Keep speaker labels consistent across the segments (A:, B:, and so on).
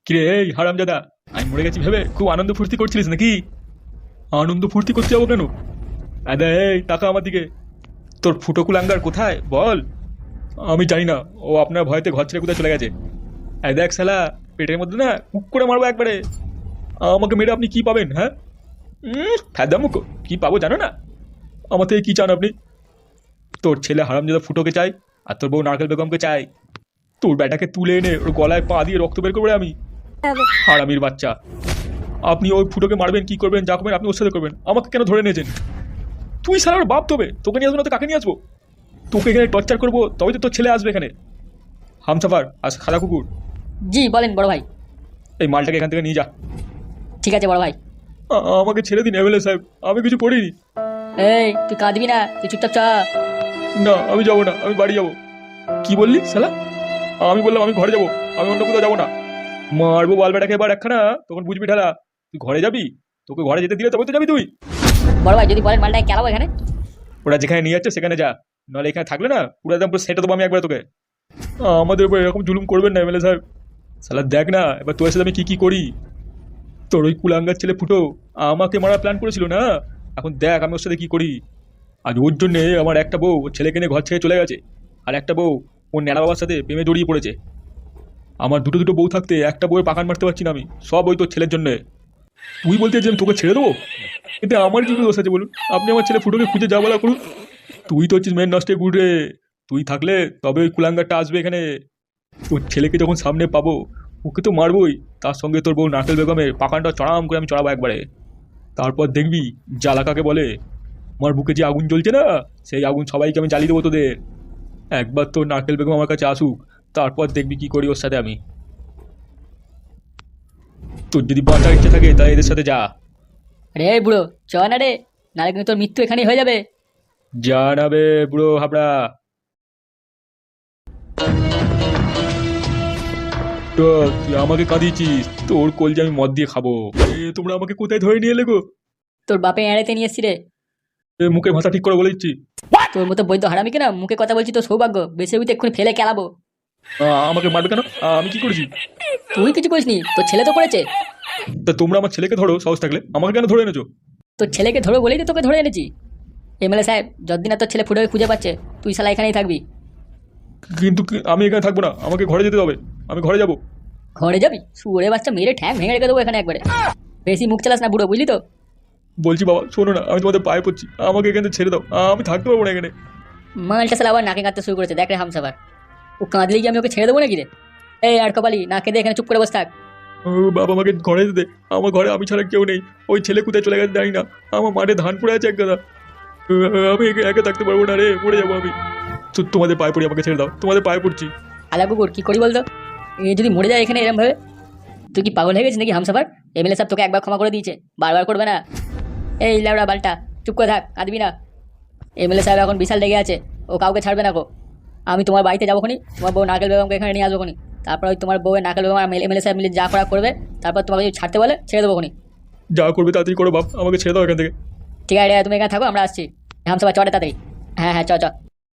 A: কিরে এই হারামজাদা, আমি মরে গেছি ভেবে খুব আনন্দ ফুর্তি করছিলিস নাকি? আনন্দ ফুর্তি করতে যাবো কেন? আদা এই টাকা আমার দিকে। তোর ফুটো কুলাঙ্গার কোথায় বল? আমি জানি না, ও আপনার ভয়তে ঘর ছেড়ে কোথায় চলে গেছে। এই দেখ শালা, পেটের মধ্যে না কুক করে মারবো একবারে। আমাকে মেরে আপনি কি পাবেন? হ্যাঁ, ফ্যাদা মুখো, কি পাবো জানো না? আমার থেকে কি চান আপনি? তোর ছেলে হারামজাদা ফুটোকে চাই, আর তোর বউ নারকেল বেগমকে চাই। তোর ব্যাটাকে তুলে এনে ওর গলায় পা দিয়ে রক্ত বের করবো রে আমি। হারামির বাচ্চা, আপনি ওই ফুটোকে মারবেন, কি করবেন, যা করবেন আপনি ওর সাথে করবেন। আমাকে কেন ধরে নিয়েছেন? তুই সালার বাপ তবে, তোকে নিয়ে আসবো না তো কাকে নিয়ে আসবো? তোকে এখানে টর্চার করবো তবে তো তোর ছেলে আসবে এখানে। হামসাফার আর খাদা কুকুর,
B: জি বলেন বড় ভাই।
A: এই মালটাকে এখান থেকে নিয়ে যা।
B: ঠিক আছে বড় ভাই।
A: আমাকে ছেড়ে দিন এমএলএ সাহেব, আমি কিছু করিনি।
B: এই তুই কাঁদবি না, তুই চুপচাপ চ।
A: না আমি যাবো না, আমি বাড়ি যাবো। কি বললি শালা? আমি বললাম আমি ঘরে যাবো, আমি অন্য কোথাও যাবো না। মারবো বাল বেটাকে এবার একখানা, তখন বুঝবি ঠেলা। তুই ঘরে যাবি? তোকে ঘরে যেতে দিলে তবে তো যাবি তুই।
B: বড় ভাই যদি বলেন মালটাকে কেলাবো এখানে।
A: ওরা যেখানে নিয়ে যাচ্ছে সেখানে যা, নাহলে এখানে থাকলে না পুরো একদম পুরো সেটা দেবো আমি একবার তোকে। আমাদের উপর এরকম জুলুম করবেন না এমএলএ সাহেব। শালা দেখ না এবার তোর সাথে আমি কি কি করি। তোর ওই কুলাঙ্গার ছেলে ফুটো আমাকে মারার প্ল্যান করেছিল না, এখন দেখ আমি ওর সাথে কি করি। আজ ওর জন্যে আমার একটা বউ ওর ছেলেকে নিয়ে ঘর ছেড়ে চলে গেছে, আর একটা বউ ওর ন্যাড়া বাবার সাথে প্রেমে জড়িয়ে পড়েছে। আমার দুটো দুটো বউ থাকতে একটা বউয়ের পাকান মারতে পারছি না আমি, সব ওই তোর ছেলের জন্যে। তুই বলতে যে আমি তোকে ছেড়ে দেবো? এতে আমার কি দোষ আছে বলুন? আপনি আমার ছেলে ফুটোকে খুঁজে যা বলা করুন। তুই তো হচ্ছিস মেন নষ্টে গুড় রে। তুই থাকলে তবে ওই কুলাঙ্গারটা আসবে এখানে। তোর ছেলেকে যখন সামনে পাবো ওকে তো মারবই, তার সঙ্গে তোর বউ নারকেল বেগমের পাকানটা চড়াম করে আমি চড়াবো একবারে। তারপর দেখবি জ্বালা কাকে বলে। আমার বুকে যে আগুন জ্বলছে না, সেই আগুন সবাইকে আমি জ্বালিয়ে দেবো তোদের। একবার তোর নারকেল বেগম আমার কাছে আসুক, তারপর দেখবি কি করি ওর সাথে আমি। তোর যদি বাঁচার ইচ্ছে থাকে তাহলে এদের সাথে যা।
B: আরে এই বুড়ো চ না রে, নাহলে কিন্তু তোর মৃত্যু এখানেই হয়ে যাবে।
A: যা নাবে বুড়ো হাবড়া। তো তুই আমাকে কাঁদিয়েছিস, তোর কলজে আমি মদ দিয়ে খাবো। তোমরা আমাকে কোথায় ধরে নিয়ে এলে গো?
B: তোর বাপে এড়াইতে নিয়ে এসছি রে।
A: মুখের ভাষা ঠিক করে বলে দিচ্ছি।
B: তোর মতো বৈধ হারামি কেনা মুখে কথা বলছি, তোর সৌভাগ্য, বেশি উঠে এক্ষুনি ফেলে কেলাবো।
A: আমাকে মারবে কেন? আমি কি করেছি?
B: তুই কিছু করিসনি, তোর ছেলে তো করেছে।
A: তা তোমরা আমার ছেলেকে ধরো সাহস থাকলে, আমাকে কেন ধরে এনেছো?
B: তোর ছেলেকে ধরো বলেই তো তোকে ধরে এনেছি। এমএলএ সাহেব যতদিন না তোর ছেলে ফুটোকে খুঁজে পাচ্ছে, তুই শালা এখানেই থাকবি।
A: কিন্তু আমি এখানে থাকবো না, আমাকে ঘরে যেতে হবে। আমি ঘরে যাবো।
B: ঘরে যাবি? শুয়োরে বাচ্চা, মেরে ঠ্যাং ভেঙে রেখে দেবো এখানে একবারে। বেশি মুখ চালাস না বুড়ো, বুঝলি তো?
A: বলছি বাবা শোনো না, আমি তোমাদের পায়ে পড়ছি, আমাকে এখানে ছেড়ে দাও। আমি থাকতে পারবো না এখানে।
B: মালটা শালা আবার নাকে কাঁদতে শুরু করেছে, দেখ রে হামসাবার। ও কাঁদলে কি আমি ওকে ছেড়ে দেবো নাকি রে? এই আর কপালি, না কেঁদে এখানে চুপ করে বসে থাক।
A: বাবা আমাকে ঘরে যেতে দে। আমার ঘরে আমি ছাড়া কেউ নেই। ওই ছেলে কোথায় চলে গেছে জানি না। আমার মাঠে ধান পড়ে আছে এক গাদা। আমি একা থাকতে পারবো না রে, মরে যাবো আমি। তোমাদের পায়ে পড়ি, আমাকে ছেড়ে দাও, তোমাদের পায়ে পড়ছি।
B: আলা কুকুর কি করি বলতো? এ যদি মরে যায় এখানে এরম ভাবে, তুই কি পাগল হয়ে গেছিস নাকি হামসাফার? এমএলএ সাহেব তোকে একবার ক্ষমা করে দিয়েছে, বারবার করবে না। এই ল্যাবড়া বালটা, চুপ করে থাক, কাঁদবি না। এমএলএ সাহেব এখন বিশাল লেগে আছে, ও কাউকে ছাড়বে না গো। আমি তোমার বাড়িতে যাবো খনি, তোমার বউ নারকেল বেগমকে এখানে নিয়ে আসবো খনি। তারপর ওই তোমার বউয়ের নারকেল বেগম আর এমএলএ সাহেব মিলে যা করা করবে, তারপর তোমাকে যদি ছাড়তে বলে ছেড়ে দেবো খনি।
A: যা করবে তাড়াতাড়ি করো বাপ, আমাকে ছেড়ে দাও এখান থেকে।
B: ঠিক আছে তুমি এখানে থাকো, আমরা আসছি। হামসাফার চটে তাড়াতাড়ি। হ্যাঁ হ্যাঁ চ চ।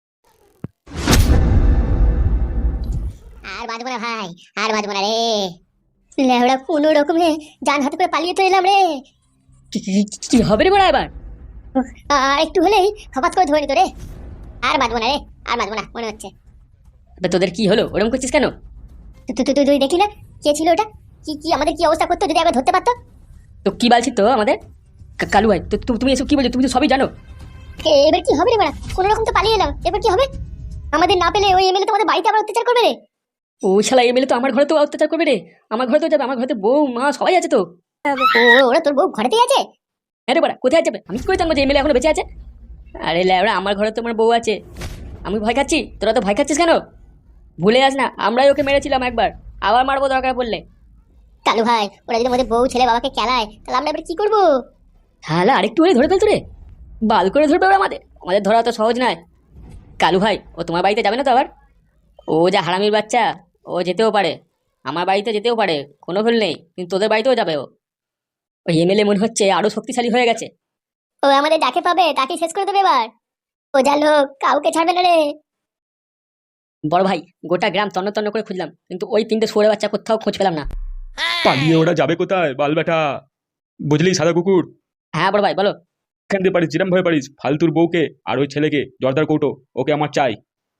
C: আর বাঁচবো না ভাই, আর বাঁচবো না রে। লেওড়া কোনো রকমে জান হাতে করে পালিয়ে তো এলাম রে।
B: কি হবে রে বড়া এবার?
C: আর একটু হলেই হঠাৎ করে ধরে নিত রে। আর বাঁচবো না রে, আর বাঁচবো না মনে হচ্ছে।
B: এবার তোদের কি হলো, ওরকম করছিস কেন?
C: তুই দেখলি না কে ছিল ওটা? কি কি আমাদের কি অবস্থা করতো যদি একবার ধরতে পারতো।
B: তো কি বলছিস তো আমাদের? কালু ভাই তো তুমি এসব কি বলছো? তুমি তো সবই জানো।
C: এবার কি হবে রে বড়া? কোনো রকম তো পালিয়ে এলাম, এবার কি হবে? আমাদের না পেলে ওই এমএলএ তোমাদের বাড়িতে আবার অত্যাচার করবে রে।
B: ও শালা এমএলএ তো আমার ঘরে তো অত্যাচার করবে রে। আমার ঘরে তো যাবে, আমার ঘরে তো বউ মা সবাই আছে তো।
C: ওরা তোর বউ ঘরেতেই আছে?
B: আরে বড়া কোথায় যাবে? আমি কি করে জানবো যে এমএলএ এখনো বেঁচে আছে? আরে ল্যাবড়া আমার ঘরে তো আমার বউ আছে। আমি ভয় খাচ্ছি, তোরা তো ভয় খাচ্ছিস কেন? ভুলে যাস না আমরাই ওকে মেরেছিলাম একবার, আবার মারবো দরকার পড়লে।
C: কালু ভাই ওরা যদি আমাদের বউ ছেলে বাবাকে খেলায় তাহলে আমরা এবার কি করবো?
B: তাহলে আরেকটু হলে ধরে ফেলতো রে। বাল করে ধরবে ওরা আমাদের, আমাদের ধরা তো সহজ নয়। কালু ভাই ও তোমার বাড়িতে যাবে না তো আবার? ও যা হারামির বাচ্চা, ও যেতেও পারে, আমার বাড়িতে যেতেও পারে, কোনো ভুল নেই, কিন্তু তোদের বাড়িতেও যাবে ও। ওই এমএলএ মনে হচ্ছে আরো শক্তিশালী হয়ে গেছে।
C: ও আমাদের যাকে পাবে তাকে শেষ করে দেবে এবার। ও যা লোক কাউকে ছাড়বে না রে।
B: বড় ভাই গোটা গ্রাম তন্ন তন্ন করে খুঁজলাম, কিন্তু ওই তিনটে শুয়োরের বাচ্চা কোথাও খোঁজ পেলাম না।
A: পালিয়ে ওরা যাবে কোথায় বাল বেটা? বুঝলি সাদা কুকুর,
B: হ্যাঁ বড় ভাই বলো।
A: এখান দিয়ে পারিস যেরম ভাবে পারিস ফালতুর বউকে আর ওই ছেলেকে জর্দার কৌটো ওকে আমার চাই।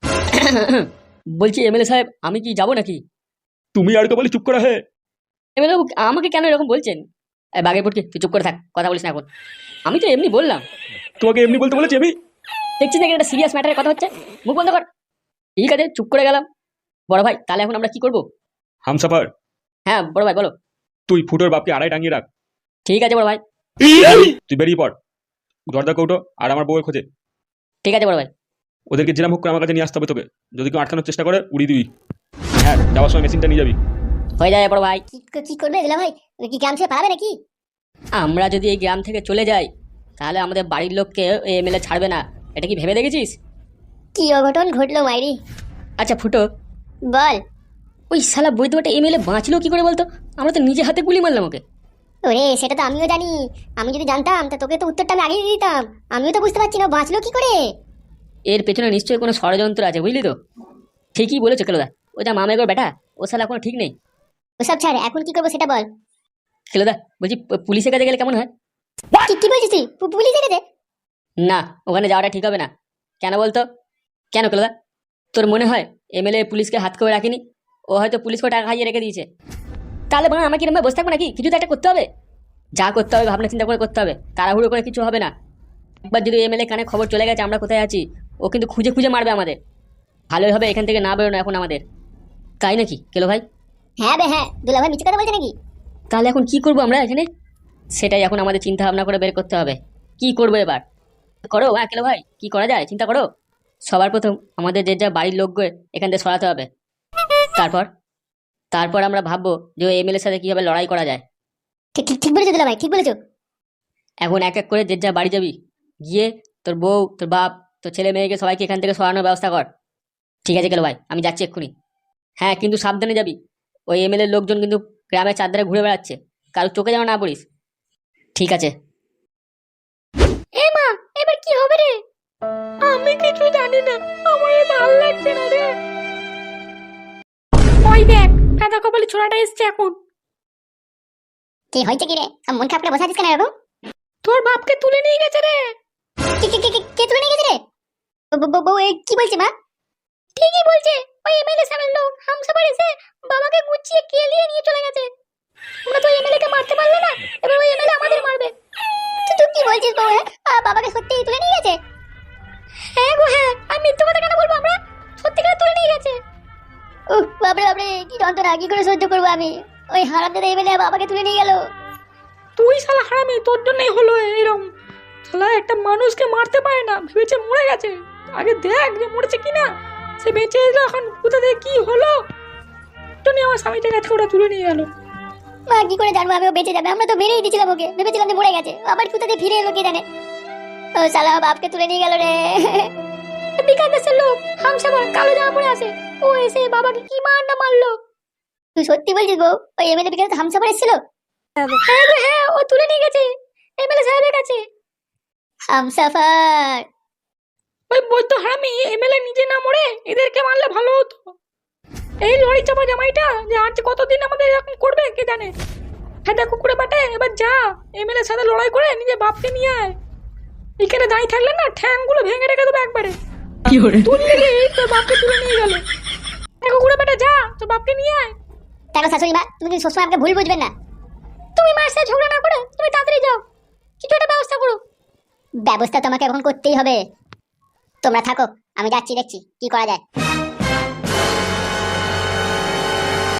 B: বলছি এমএলএ সাহেব আমি কি যাবো নাকি?
A: তুমি আর কে বলে চুপ করা হে?
B: এমএলএ আমাকে কেন এরকম বলছেন? বাঘে পটকে তুই চুপ করে থাক, কথা বলিস না এখন। আমি তো এমনি বললাম।
A: তোমাকে এমনি বলতে বলেছি আমি?
B: দেখছিস না একটা সিরিয়াস ম্যাটারের কথা হচ্ছে, মুখ বন্ধ কর। ঠিক আছে চুপ করে গেলাম। বড় ভাই তাহলে এখন আমরা কি করবো?
A: হামসাফার,
B: হ্যাঁ বড় ভাই বলো।
A: তুই ফুটোর বাপকে আড়াই টাঙিয়ে রাখ।
B: ঠিক আছে বড় ভাই।
A: তুই বেরিয়ে পড় জর্দার কৌটো আর আমার বউয়ের খোঁজে।
B: ঠিক আছে বড় ভাই।
A: ওদেরকে যেরাম হোক করে আমার কাছে নিয়ে আসতে হবে তোকে। যদি কেউ আটকানোর চেষ্টা করে উড়িয়ে দিবি। হ্যাঁ, যাওয়ার সময় মেশিনটা নিয়ে যাবি।
B: হয়ে যায় বড় ভাই।
C: কি করবে দিলা ভাই? কি গ্রাম ছেড়ে পালাবে নাকি?
B: আমরা যদি এই গ্রাম থেকে চলে যাই তাহলে আমাদের বাড়ির লোককে এমএলএ ছাড়বে না, এটা কি ভেবে দেখেছিস?
C: কি অঘটন ঘটলো মাইরি।
B: আচ্ছা ফুটো,
C: বল।
B: ওই শালা বৈদ্যটা এমএলএ বাঁচলো কি করে বলতো? আমরা তো নিজে হাতে গুলি মারলাম ওকে।
C: ওরে সেটা তো আমিও জানি। আমি যদি জানতাম তা তোকে তো উত্তরটা আমি আগেই দিয়ে দিতাম। আমিও তো বুঝতে পারছি না ও বাঁচলো কি করে।
B: এর পেছনে নিশ্চয়ই কোনো ষড়যন্ত্র আছে, বুঝলি তো? ঠিকই বলেছো কেলোদা, ও যা মামেগোর বেটা, ও শালা কোনো ঠিক নেই।
C: ওসব ছাড়, এখন কি করবো সেটা বল।
B: কেলোদা বলছি পুলিশের কাছে গেলে কেমন হয়?
C: কি বলছিস তুই? পুলিশ দেখেছে?
B: না, ওখানে যাওয়াটা ঠিক হবে না। কেন বলতো? কেন কেলোদা, তোর মনে হয় এমএলএ পুলিশকে হাত করে রাখিনি? ও হয়তো পুলিশকে টাকা খাইয়ে রেখে দিয়েছে। তাহলে বলো আমাকে এরকম বসে থাকবো নাকি? কিছু তো একটা করতে হবে। যা করতে হবে ভাবনা চিন্তা করে করতে হবে, তাড়াহুড়ো করে কিছু হবে না। একবার যদি এমএলএ কানে খবর চলে গেছে আমরা কোথায় আছি, ও কিন্তু খুঁজে খুঁজে মারবে আমাদের। ভালোই হবে এখান থেকে না বেরোনো এখন আমাদের, তাই নাকি কেলো ভাই?
C: হ্যাঁ বে হ্যাঁ, দুলা ভাই মিথ্যে কথা বলছে নাকি?
B: তাহলে এখন কি করবো আমরা এখানে? সেটাই এখন আমাদের চিন্তা ভাবনা করে বের করতে হবে। কি করবো এবার? করো হ্যাঁ কেলো ভাই, কি করা যায় চিন্তা করো। সবার প্রথম আমাদের যে যা বাড়ির লোককে এখান থেকে সরাতে হবে। তারপর তারপর আমরা ভাববো যে ওই এমএলএর সাথে কিভাবে লড়াই করা যায়।
C: ঠিক ঠিক ঠিক বলেছো দুলা ভাই, ঠিক বলেছো।
B: এখন এক এক করে যে যা বাড়ি যাবি, গিয়ে তোর বউ তোর বাপ তোর ছেলে মেয়েকে সবাইকে এখান থেকে সরানোর ব্যবস্থা কর। ঠিক আছে কেলো ভাই, আমি যাচ্ছি এক্ষুনি। হ্যাঁ কিন্তু সাবধানে যাবি, ওই এমএলএর লোকজন কিন্তু গ্রামের চারধারে ঘুরে বেড়াচ্ছে, কারোর চোখে যেন না পড়িস। ঠিক আছে।
C: এ মা, এবার কি হবে রে?
D: আমি কিছু জানি না, আমার ভালো লাগছে না রে। ওই দেখ দাদা কপালি ছোড়াটা এসছে এখন।
C: কি হয়েছে কি রে? মন খারাপ করে বসে আছিস কেন এরকম?
D: তোর বাপকে তুলে নিয়ে গেছে রে।
C: কে তুলে নিয়ে গেছে রে? বউ কি বলছে মা?
D: ঠিকই বলছে, ওই এমএলএ সাহেবের লোক হামসাবার এসে বাবাকে গুছিয়ে কেলিয়ে নিয়ে চলে গেছে। আমরা তো এমএলএ কে মারতে পারলো না, এবার ওই এমএলএ আমাদের মারবে।
C: তুই কি বলছিস বউ? বাবাকে সত্যিই তুলে নিয়ে গেছে?
D: হ্যাঁ গো হ্যাঁ, আমি মিথ্যে কথা কেন বলবো? আমরা সত্যি করে তুলে নিয়ে গেছে।
C: বাপরে বাপরে, কি যন্ত্রণা, কি করে সহ্য করবো আমি? ওই হারামজাদা এমএলএ বাবাকে তুলে নিয়ে গেল।
D: তুই শালা হারামি, তোর জন্যই হলো এরকম। শালা একটা মানুষকে মারতে পারে না, ভেবেছে মরে গেছে। আগে দেখ যে মরেছে কিনা। সে বেঁচে এলো, এখন কোথা থেকে কি হলো জন্য আমার স্বামীটা কাছে ওরা তুলে নিয়ে গেল।
C: মা কি করে জানবো আমি ও বেঁচে যাবে? আমরা তো মেরেই দিয়েছিলাম ওকে, ভেবেছিলাম যে মরে গেছে। আবার কোথা থেকে ফিরে এলো কে জানে। ও শালা বাপকে তুলে নিয়ে গেল রে।
D: বিকাশ দাসের লোক হামসাবার কালো জামা পরে আছে, ও এসে বাবাকে কি মার না মারলো।
C: তুই সত্যি বলছিস বউ? ওই এমএলএ বিকাশ হামসাফার এসেছিল?
D: হ্যাঁ গো হ্যাঁ, ও তুলে নিয়ে গেছে এমএলএ সাহেবের কাছে।
C: হামসাফার?
D: ওই বৈদ্য হারামি এমএলএ নিজে না মরে এদেরকে মারলে ভালো হতো। এই লড়ি চাপা জামাইটা যে আর যে কতদিন আমাদের এরকম করবে কে জানে। হ্যাঁ দেখো কুকুরে বাটে, এবার যা এমএলএর সাথে লড়াই করে নিজে বাপকে নিয়ে আয়। এখানে দাঁড়িয়ে থাকলে না ঠ্যাংগুলো ভেঙে রেখে দেবো একবারে।
B: কি করে
D: তুলে নিয়ে তোর বাপকে তুলে নিয়ে গেল। দেখো কুকুরে বাটে যা তোর বাপকে নিয়ে আয়।
C: দেখো শাশুড়ি মা, তুমি কিন্তু সবসময় আমাকে ভুল বুঝবেন না।
D: তুমি মায়ের সাথে ঝগড়া না করে তুমি তাড়াতাড়ি যাও, কিছু একটা ব্যবস্থা করো।
C: ব্যবস্থা তোমাকে এখন করতেই হবে। তোমরা থাকো, আমি যাচ্ছি, দেখছি কি করা যায়।